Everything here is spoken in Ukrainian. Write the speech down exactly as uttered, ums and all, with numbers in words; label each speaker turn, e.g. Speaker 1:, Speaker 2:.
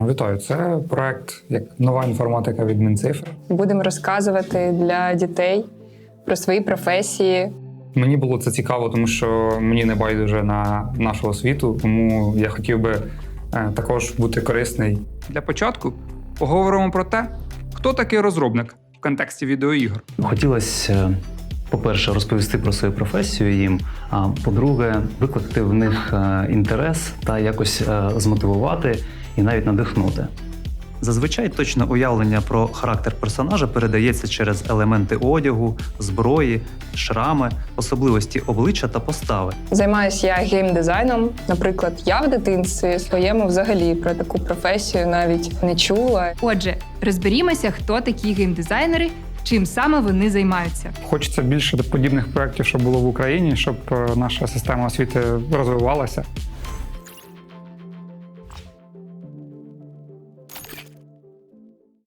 Speaker 1: Вітаю, це проект як нова інформатика від Мінцифри.
Speaker 2: Будемо розказувати для дітей про свої професії.
Speaker 1: Мені було це цікаво, тому що мені не байдуже на нашу освіту, тому я хотів би е, також бути корисний.
Speaker 3: Для початку поговоримо про те, хто такий розробник в контексті відеоігр.
Speaker 4: Хотілося, по-перше, розповісти про свою професію їм, а по-друге, викликати в них інтерес та якось змотивувати і навіть надихнути. Зазвичай точне уявлення про характер персонажа передається через елементи одягу, зброї, шрами, особливості обличчя та постави.
Speaker 2: Займаюся я геймдизайном. Наприклад, я в дитинстві своєму взагалі про таку професію навіть не чула.
Speaker 5: Отже, розберімося, хто такі геймдизайнери, чим саме вони займаються.
Speaker 1: Хочеться більше подібних проєктів, щоб було в Україні, щоб е, наша система освіти розвивалася.